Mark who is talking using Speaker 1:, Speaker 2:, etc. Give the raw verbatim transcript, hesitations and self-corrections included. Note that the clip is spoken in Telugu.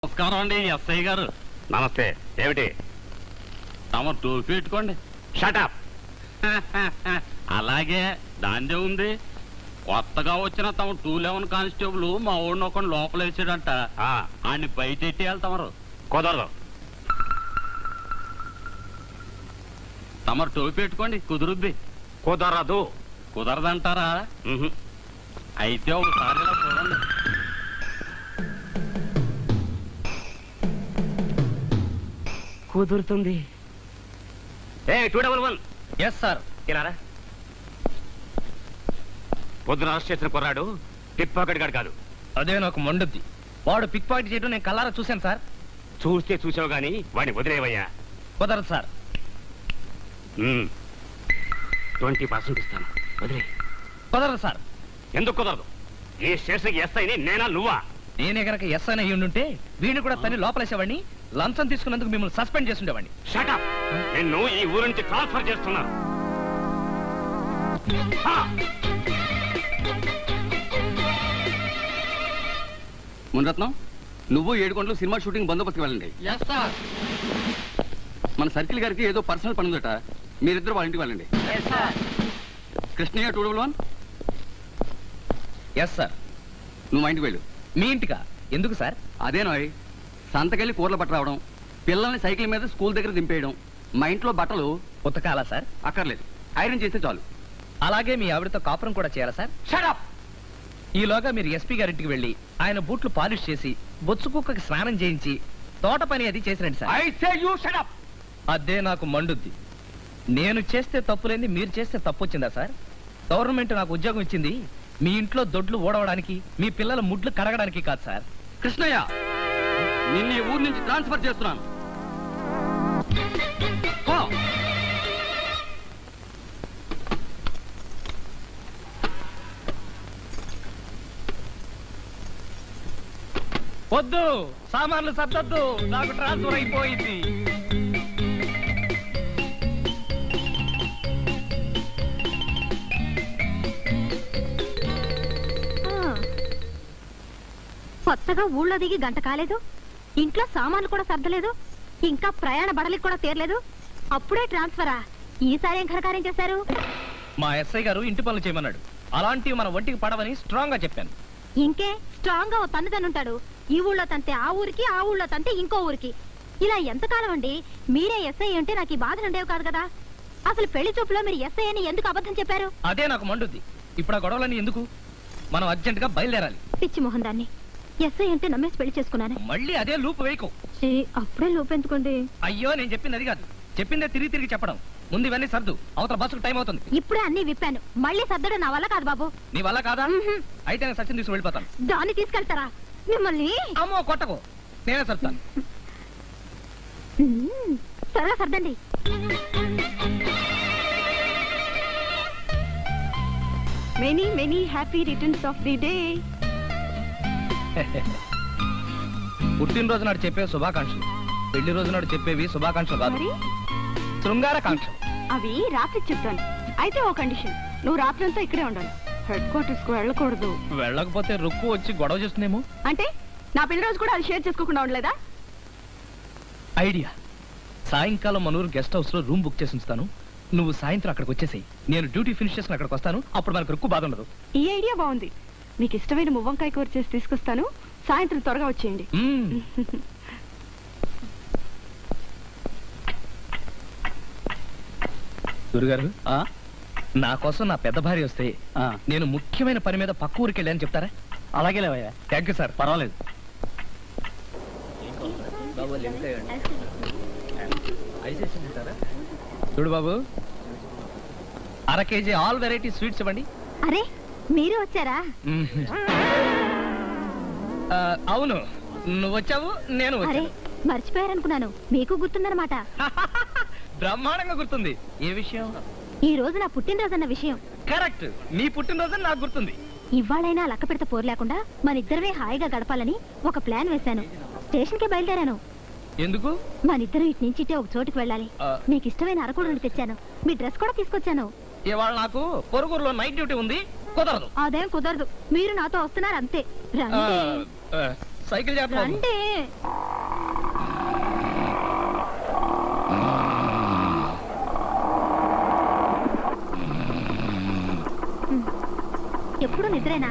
Speaker 1: నమస్కారం అండి ఎస్ఐ గారు.
Speaker 2: నమస్తే. ఏమిటి?
Speaker 1: తమ టోపీ పెట్టుకోండి.
Speaker 2: షటప్.
Speaker 1: అలాగే దాందే ఉంది. కొత్తగా వచ్చిన తమ టూ లెవెన్ కానిస్టేబుల్ మా ఊడిని ఒక లోపల వేసాడంట. ఆడిని బయట ఎట్టేయాలి తమరు.
Speaker 2: కుదరదు.
Speaker 1: తమరు టోపీ పెట్టుకోండి, కుదురుద్ది.
Speaker 2: కుదరదు.
Speaker 1: కుదరదంటారా? అయితే ఒకసారి ఇలా చూడండి.
Speaker 3: కుదురుతుంది.
Speaker 2: A two double one.
Speaker 3: Yes sir.
Speaker 2: ఇలారా. పొద్దున అరెస్ట్ చేసిన కుర్రాడు పిక్ పాకెట్ గాడు కాదు.
Speaker 3: అదే నాకు మండుద్ది. వాడు పిక్ పాకెట్ చేయడం నేను కల్లారా చూశాను సార్.
Speaker 2: చూస్తే చూసావు గానీ వాడిని వదిలేవయ్యా.
Speaker 3: కుదరదు సార్.
Speaker 2: ట్వంటీ పర్సెంట్ ఇస్తాను, వదిలే.
Speaker 3: కుదరదు సార్.
Speaker 2: ఎందుకు కుదరదు? ఈ స్టేషన్కి ఎస్ఐని నేనా నువ్వా?
Speaker 3: నేనే కనుక ఎస్ అని అయ్యి ఉండుంటే వీడిని కూడా తన్ని లోపలేసేవాడిని. లంచం తీసుకున్నందుకు మిమ్మల్ని సస్పెండ్ చేసి ఉండేవాడిని.
Speaker 2: షటప్. నిన్ను ఈ ఊరు నుంచి ట్రాన్స్ఫర్ చేస్తున్నా.
Speaker 4: మునరత్నం, నువ్వు ఏడు గంటలు సినిమా షూటింగ్ బందోబస్తుకి వెళ్ళండి. మన సర్కిల్ గారికి ఏదో పర్సనల్ పని ఉందట, మీరిద్దరు వాళ్ళ ఇంటికి వెళ్ళండి. Krishnayya two double one.
Speaker 3: Yes sir.
Speaker 4: నువ్వు మా ఇంటికి వెళ్ళు.
Speaker 3: మీ ఇంటికా? ఎందుకు సార్?
Speaker 4: అదేనోయ్, సంతకెళ్ళి కూరలు పట్ట రావడం, పిల్లల్ని సైకిల్ మీద స్కూల్ దగ్గర దింపేయడం, మా ఇంట్లో బట్టలు
Speaker 3: ఉతకాలా సార్?
Speaker 4: అక్కర్లేదు, ఐరన్ చేస్తే చాలు.
Speaker 3: అలాగే మీ ఆవిడతో కాపురం కూడా చేయాలా సార్?
Speaker 2: షటప్.
Speaker 3: ఈలోగా మీరు ఎస్పీ గారింటికి వెళ్ళి ఆయన బూట్లు పాలిష్ చేసి బొచ్చు కుక్కకి స్నానం చేయించి తోట పని అది చేసిరండి sir.
Speaker 2: I say you shut up.
Speaker 3: అదే నాకు మండుద్ది. నేను చేస్తే తప్పులేంది, మీరు చేస్తే తప్పు వచ్చిందా సార్? గవర్నమెంట్ నాకు ఉద్యోగం ఇచ్చింది మీ ఇంట్లో దొడ్లు ఓడవడానికి, మీ పిల్లల ముడ్లు కడగడానికి కాదు సార్.
Speaker 4: కృష్ణయ్య, నిన్ను ఈ ఊరు నుంచి ట్రాన్స్ఫర్ చేస్తున్నాను. పో.
Speaker 3: వద్దు, సామాన్లు సర్దొద్దు, నాకు ట్రాన్స్ఫర్ అయిపోయింది.
Speaker 5: కొత్తగా ఊళ్ళో దిగి గంట కాలేదు, ఇంట్లో సామాన్లు కూడా సర్దలేదు, ఇంకా ప్రయాణ బడలికి కూడా తీరలేదు, అప్పుడే ట్రాన్స్ఫరా? ఈసారి ఏం ఘనకార్యం చేశారు?
Speaker 3: మా ఎస్ఐ గారు ఇంటి పనులు చేయమన్నాడు. అలాంటివి మన ఒంటికి పడవని స్ట్రాంగ్ గా చెప్పాను.
Speaker 5: ఇంకే స్ట్రాంగ్ గా ఓ తన్ను తన్నుంటాడు. ఈ ఊళ్ళో తంతే ఆ ఊరికి, ఆ ఊళ్ళో తంతే ఇంకో ఊరికి. ఇలా ఎంతకాలం అండి? మీరే ఎస్ఐ అంటే నాకు ఈ బాధలు ఉండేవి కాదు కదా. అసలు పెళ్లి చూపులో మీరు ఎస్ఐ అని ఎందుకు అబద్ధం చెప్పారు?
Speaker 3: అదే నాకు మండుద్ది. ఇప్పుడు ఆ గొడవలన్నీ ఎందుకు? మనం అర్జెంట్ గా బయలుదేరాలి.
Speaker 5: పిచ్చి మొహం దాన్ని. ఎస్ఐ అంటే నమ్మేసి పెళ్లి చేసుకున్నాను.
Speaker 3: మళ్ళీ అదే లూప్ వేయకు.
Speaker 5: అప్పుడే లోపెందుకోండి.
Speaker 3: అయ్యో, నేను చెప్పింది అది కాదు. చెప్పిందే తిరిగి తిరిగి చెప్పడం. ముందు ఇవన్నీ సర్దు, అవతల బస్సుకు టైం అవుతుంది.
Speaker 5: ఇప్పుడే అన్ని విప్పాను, మళ్ళీ సర్దడం నా వల్ల కాదు బాబు.
Speaker 3: నీ వల్ల కాదా? అయితే నేను సచిన్ తీసుకుని వెళ్ళిపోతాను.
Speaker 5: దాన్ని తీసుకెళ్తారా? మిమ్మల్ని
Speaker 3: అమ్మో కొట్టకు, నేనే సర్తాను.
Speaker 5: త్వరగా సర్దండి. Many many happy returns of the day.
Speaker 3: పుట్టినరోజు నాడు చెప్పే శుభాకాంక్షలు, పెళ్లి రోజు నాడు చెప్పేవి శుభాకాంక్షలు కాదు, శృంగారకాంక్షలు.
Speaker 5: అవి రాత్రి చెప్తాను. అయితే ఓ కండిషన్, నువ్వు రాత్రంతా ఇక్కడే ఉండాలి, హెడ్ క్వార్టర్స్ కు వెళ్ళకూడదు.
Speaker 3: వెళ్ళకపోతే రుక్కు వచ్చి గొడవ చేస్తుందేమో.
Speaker 5: అంటే నా పెళ్లి రోజు కూడా అది షేర్ చేసుకోకుండా ఉండలేదా?
Speaker 3: ఐడియా. సాయంకాలం మనూరు గెస్ట్ హౌస్ లో రూమ్ బుక్ చేసి ఉంచుతాను. నువ్వు సాయంత్రం అక్కడికి వచ్చేసాయి. నేను డ్యూటీ ఫినిష్ చేసుకుని అక్కడికి వస్తాను. అప్పుడు మనకు రుక్కు బాధ ఉండదు.
Speaker 5: ఈ ఐడియా బాగుంది. మీకు ఇష్టమైన మువ్వంకాయ కూర చేసి తీసుకొస్తాను. సాయంత్రం త్వరగా వచ్చేయండి.
Speaker 3: గురుగారు, నా కోసం నా పెద్ద భార్య వస్తే నేను ముఖ్యమైన పని మీద పక్క ఊరికి వెళ్ళాను చెప్తారా?
Speaker 4: అలాగే లేవయ్యా.
Speaker 3: Thank you sir.
Speaker 4: పర్వాలేదు.
Speaker 3: చూడు బాబు, అర కేజీ ఆల్ వెరైటీ స్వీట్స్ ఇవ్వండి.
Speaker 5: అరే, మీరు వచ్చారా?
Speaker 3: అవును, నువ్వు వచ్చావు, నేను
Speaker 5: అరే మర్చిపోయారనుకున్నాను. మీకు గుర్తుందన్నమాట.
Speaker 3: బ్రహ్మాండంగా గుర్తుంది. ఏ విషయం?
Speaker 5: ఈ రోజు నా పుట్టినరోజు అన్న విషయం.
Speaker 3: కరెక్ట్, నీ పుట్టినరోజు నాకు గుర్తుంది.
Speaker 5: ఇవాళైనా లక్క పెడత పోరు లేకుండా మన ఇద్దరమే హాయిగా గడపాలని ఒక ప్లాన్ వేశాను. స్టేషన్ కి బయలుదేరాను.
Speaker 3: ఎందుకు?
Speaker 5: మన ఇద్దరు ఇటు నుంచి ఇటే ఒక చోటుకి వెళ్ళాలి. మీకు ఇష్టమైన అరకుడుని తెచ్చాను. మీ డ్రెస్ కూడా తీసుకొచ్చాను.
Speaker 3: ఇవాళ నాకు పొరుగురులో నైట్ డ్యూటీ ఉంది, కుదరదు.
Speaker 5: అదేం కుదరదు, మీరు నాతో వస్తున్నారు అంతే.
Speaker 3: సైకిల్ జాగ్రత్త బాబు.
Speaker 5: రండి ఎప్పుడు నిద్రేనా